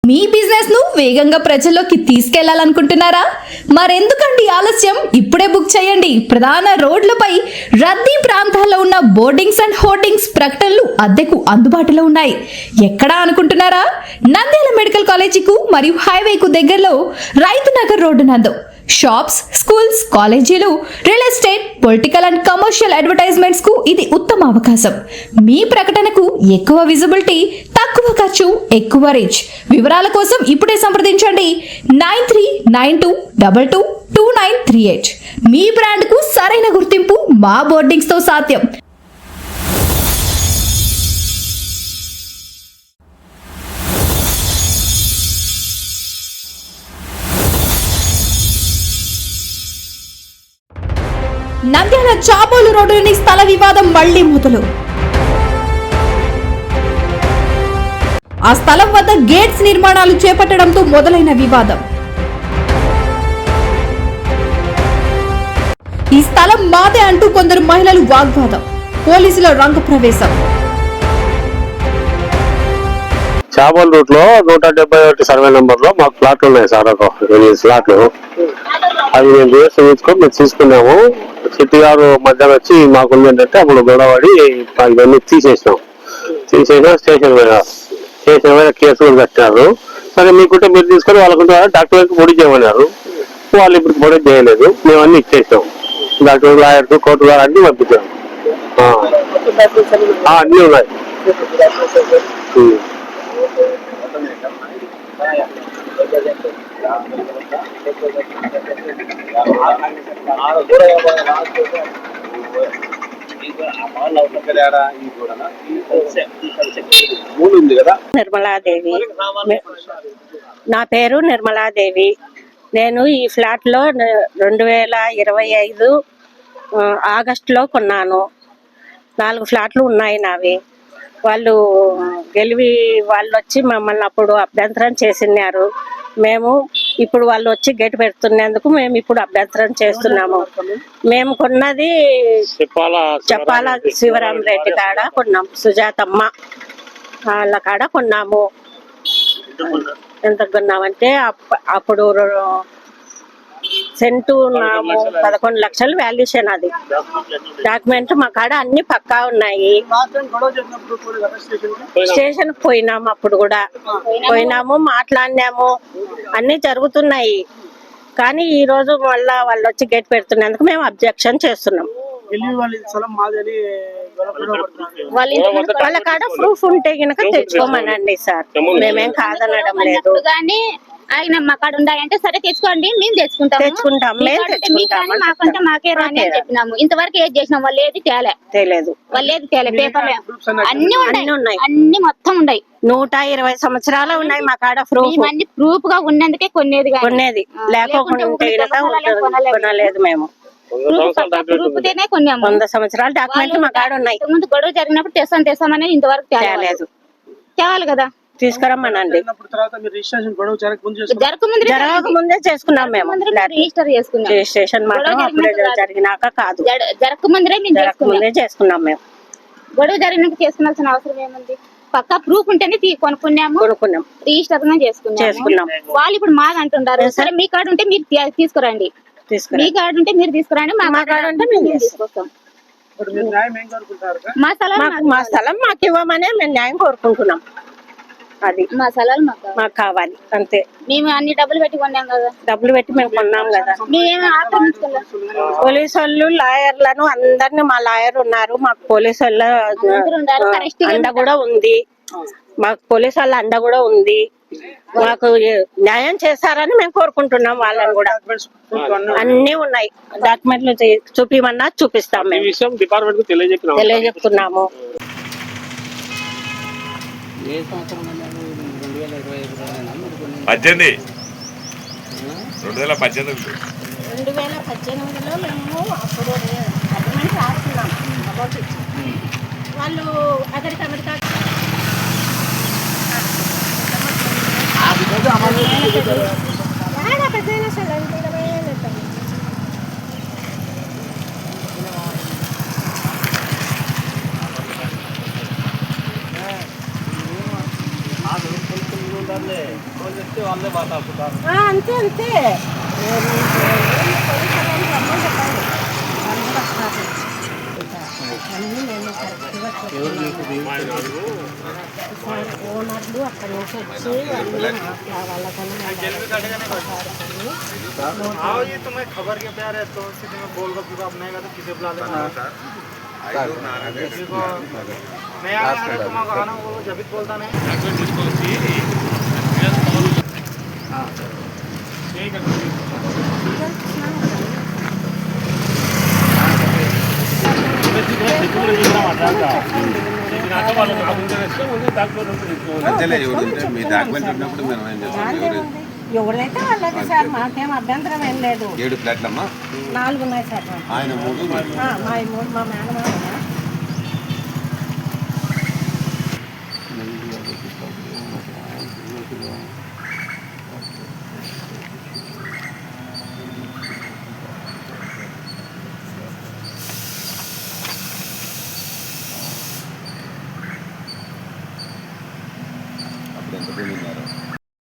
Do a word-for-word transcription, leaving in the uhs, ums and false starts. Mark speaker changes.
Speaker 1: మీ business ను వేగంగా ప్రజల్లోకి తీసుకెళ్లాలనుకుంటున్నారా? మరెందుకండి ఆలస్యం? ఇప్పుడే బుక్ చేయండి. ప్రధాన రోడ్లపై రద్దీ ప్రాంతాల్లో ఉన్న బోర్డింగ్స్ అండ్ హోర్డింగ్స్ ప్రకటనలు అద్దెకు అందుబాటులో ఉన్నాయి. ఎక్కడా అనుకుంటున్నారా? నంద్యాల మెడికల్ కాలేజీకు మరియు హైవేకు దగ్గరలో రైతు నగర్ రోడ్డు నందు షాప్స్, స్కూల్స్, కాలేజీలు, real estate, political and commercial advertisements కు ఇది ఉత్తమ అవకాశం. మీ ప్రకటనకు ఎక్కువ విజిబిలిటీ, తక్కువ ఖర్చు, ఎక్కువ రీచ్. వివరాల కోసం ఇప్పుడే సంప్రదించండి nine three nine two double two two nine three eight. మీ బ్రాండ్ కు సరైన గుర్తింపు మా బోర్డింగ్స్ తో సాధ్యం. నంద్యాల చాబోలు రోడ్డులోని స్థల వివాదం మళ్లీ మొదలు. ఆ స్థలం వద్ద గేట్స్ నిర్మాణాలు చేపట్టడంతో మొదలైన వివాదం. ఈ స్థలం మాదే అంటూ కొందరు మహిళలు వాగ్వాదం. పోలీసుల రంగ ప్రవేశం.
Speaker 2: చాబోల్ రూట్ లో నూట డెబ్బై ఒకటి సర్వే నెంబర్ లో మాకు ప్లాట్లు ఉన్నాయి సార్, ఒక ఎనిమిది ప్లాట్లు. అవి మేము రిజిస్టర్ చేసుకొని మేము తీసుకున్నాము. సిటీ గారు మధ్యాహ్నం వచ్చి మాకు ఏంటంటే అప్పుడు గొడవడి ఇవన్నీ తీసేసినాం. తీసేసిన స్టేషన్ మీద స్టేషన్ మీద కేసు కూడా కట్టినారు. సరే మీకుంటే మీరు తీసుకొని వాళ్ళకుంటే డాక్టర్ పొడి చేయమన్నారు. వాళ్ళు ఇప్పుడు పొడి చేయలేదు. మేము అన్ని ఇచ్చేసాం. డాక్టర్, లాయర్స్, కోర్టు గారు అన్ని పంపించాం. అన్నీ ఉన్నాయి.
Speaker 3: నిర్మలాదేవి, నా పేరు నిర్మలాదేవి. నేను ఈ ఫ్లాట్ లో రెండు వేల ఇరవై ఐదు ఆగస్టులో కొన్నాను. నాలుగు ఫ్లాట్లు ఉన్నాయి నావి. వాళ్ళు గెలివి వాళ్ళు వచ్చి మమ్మల్ని అప్పుడు అభ్యంతరం చేసినారు. మేము ఇప్పుడు వాళ్ళు వచ్చి గేట్ పెడుతున్నందుకు మేము ఇప్పుడు అభ్యంతరం చేస్తున్నాము. మేము కొన్నది చెప్పాల శివరాం రెడ్డి కాడ కొన్నాం, సుజాతమ్మ వాళ్ళ కాడ కొన్నాము. ఎంత కొన్నామంటే అప్పుడు సెంటు నాము పదకొండు లక్షలు వాల్యూషన్. అది డాక్యుమెంట్ మా కాడ అన్ని పక్కా ఉన్నాయి. స్టేషన్ పోయినాము, అప్పుడు కూడా పోయినాము, మాట్లాడినాము, అన్ని జరుగుతున్నాయి. కానీ ఈ రోజు మళ్ళా వాళ్ళు వచ్చి గేట్ పెడుతున్నందుకు మేము అబ్జెక్షన్ చేస్తున్నాం. వాళ్ళ కాడ ప్రూఫ్ ఉంటే గనక తెచ్చుకోమనండి సార్, మేమేం కాదనడం లేదు.
Speaker 4: ఆయన మా కాడ ఉన్నాయంటే సరే తెచ్చుకోండి, మేము తెచ్చుకుంటాం
Speaker 3: తెచ్చుకుంటాం
Speaker 4: మాకంటే మాకే రాని అని చెప్పినాము. ఇంతవరకు ఏది చేసినాం, వాళ్ళు ఏది తేలే
Speaker 3: తెలియదు,
Speaker 4: వాళ్ళు ఏది తేలే. పేపర్లు అన్ని ఉన్నాయి, అన్ని మొత్తం ఉన్నాయి.
Speaker 3: నూట ఇరవై సంవత్సరాలు ఉన్నాయి మా కాడ ప్రూఫ్.
Speaker 4: అన్ని ప్రూఫ్ గా ఉన్నందుకే కొనేది
Speaker 3: కొనేది, లేకపోతే కొనలేదు. మేము వంద సంవత్సరాల డాక్యుమెంట్ మా కాడ ఉన్నాయి.
Speaker 4: ముందు గొడవ జరిగినప్పుడు తెస్తాం తెస్తామని ఇంతవరకు తేలేదు. తేవాలి కదా,
Speaker 3: తీసుకురమ్మనండి. జరగక ముందే చేసుకున్నాం మేము.
Speaker 4: రిజిస్టర్ చేసుకున్నాం.
Speaker 3: రిజిస్ట్రేషన్ జరిగినాక కాదు,
Speaker 4: జరగక ముందే
Speaker 3: ముందే చేసుకున్నాం మేము.
Speaker 4: గొడవ జరిగినాక చేసుకున్నాల్సిన అవసరం ఏముంది? పక్కా ప్రూఫ్ ఉంటేనే కొనుక్కున్నాము,
Speaker 3: కొనుక్కున్నాం,
Speaker 4: రిజిస్టర్ చేసుకున్నాం చేసుకున్నాం వాళ్ళు ఇప్పుడు మాది అంటుంటారు. సరే మీ కార్డు ఉంటే మీరు తీసుకురండి, మీ కార్డు ఉంటే మీరు తీసుకురండి, మా కార్డు ఉంటే మేము తీసుకొస్తాం. మా స్థలం
Speaker 3: మా స్థలం మాకు ఇవ్వమనే మేము న్యాయం కోరుకుంటున్నాం. అది
Speaker 4: మా స్థలాలు మాకు
Speaker 3: మాకు కావాలి అంతే.
Speaker 4: మేము అన్ని డబ్బులు పెట్టి కొన్నాం కదా,
Speaker 3: డబ్బులు పెట్టి మేము కొన్నాం కదా.
Speaker 4: మేము ఆక్రమించుకున్నాం.
Speaker 3: పోలీసు వాళ్ళు, లాయర్లను అందరినీ, మా లాయర్ ఉన్నారు, మాకు పోలీసు వాళ్ళ అండ కూడా ఉంది, మాకు పోలీసు వాళ్ళ అండ కూడా ఉంది. మాకు న్యాయం చేస్తారని మేము కోరుకుంటున్నాం. వాళ్ళని కూడా అన్ని ఉన్నాయి, డాక్యుమెంట్లు చూపిమన్నా చూపిస్తాం. మేము తెలియజెప్తున్నాము.
Speaker 5: పద్దెనిమిది రెండు వేల పద్దెనిమిది
Speaker 3: రెండు వేల పద్దెనిమిదిలో మేము అప్పుడు అగ్రిమెంట్ రాస్తున్నాం. వాళ్ళు అక్కడికి అమెరికా ఆ, అంతే అంతే ఓనర్లు అక్కడ నుంచి వచ్చి
Speaker 6: आओ ये तुम्हें खबर के प्यार है तो सीधे में बोल गप गप नहीं का तो किसे बुला लेना किसी को मैं आ रहा है तुम्हारा आना वो जब भी बोलता नहीं ठीक है
Speaker 5: మీ డాక్యుమెంట్ ఉన్నప్పుడు మేము ఏం చేస్తాం
Speaker 3: ఎవరైతే వాళ్ళకి సార్ మాకేం అభ్యంతరం ఏం లేదు
Speaker 5: ఏడు ఫ్లాట్లమ్మా
Speaker 3: నాలుగు ఉన్నాయి సార్
Speaker 5: ఆయన మూడు
Speaker 3: మా మూడు మా మేనమామ